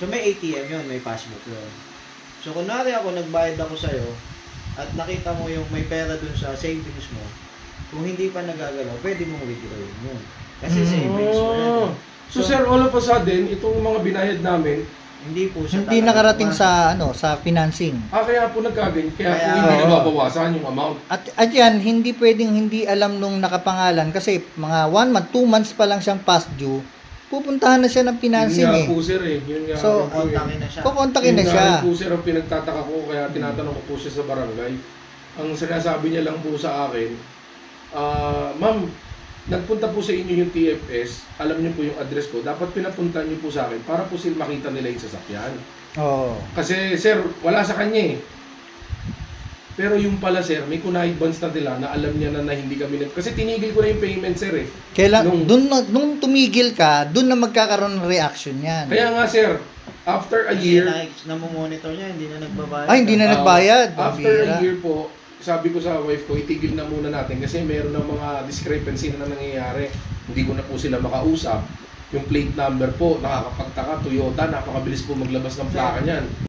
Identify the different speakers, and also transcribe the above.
Speaker 1: So may ATM yun, may passbook yun. So kunwari ako, nagbayad ako sa'yo, at nakita mo yung may pera dun sa savings mo, kung hindi pa nagagalaw, pwede mong withdraw yun. Kasi savings mo yan.
Speaker 2: So sir, all of a sudden, itong mga binayad namin,
Speaker 1: Hindi po siya
Speaker 3: Hindi
Speaker 1: talaga
Speaker 3: nakarating
Speaker 1: pumasok.
Speaker 3: sa financing.
Speaker 2: kaya po nagkaganyan, kaya po
Speaker 1: Kaya-
Speaker 2: hindi
Speaker 3: Oo.
Speaker 2: nababawasan yung amount.
Speaker 3: At yan, hindi pwedeng hindi alam nung nakapangalan kasi mga 1 month, 2 months pa lang siyang past due, pupuntahan na siya ng financing
Speaker 2: Yun nga
Speaker 3: eh.
Speaker 2: po sir eh, yun nga
Speaker 3: So,
Speaker 2: po eh.
Speaker 1: Kontakin na siya.
Speaker 3: Kukontakin na
Speaker 2: Yun
Speaker 3: siya.
Speaker 2: nga rin po sir ang pinagtataka ko, kaya tinatanong ko po siya sa barangay. Ang sinasabi niya lang po sa akin, ma'am, nagpunta po sa inyo yung TFS, alam niyo po yung address ko, dapat pinapunta niyo po sa akin para po sila makita nila yung sasakyan.
Speaker 3: Oo.
Speaker 2: Kasi sir, wala sa kanya eh. Pero yung pala sir, may kuna-advance na nila na alam niya na hindi kami kasi tinigil ko na yung payment sir eh.
Speaker 3: Kailan,
Speaker 2: Nung-
Speaker 3: nung tumigil ka, dun na magkakaroon ng reaction yan.
Speaker 2: Kaya nga sir, after a
Speaker 1: Kasi
Speaker 2: year,
Speaker 1: namomonitor niya, hindi na nagbabayad.
Speaker 3: Ay, hindi na nagbayad.
Speaker 2: after
Speaker 3: Pambira.
Speaker 2: a year po, sabi ko sa wife ko, itigil na muna natin kasi meron na mga discrepancy na nangyayari. Hindi ko na po sila makausap. Yung plate number po, nakakapagtaka, Toyota, napakabilis po maglabas ng plaka niyan.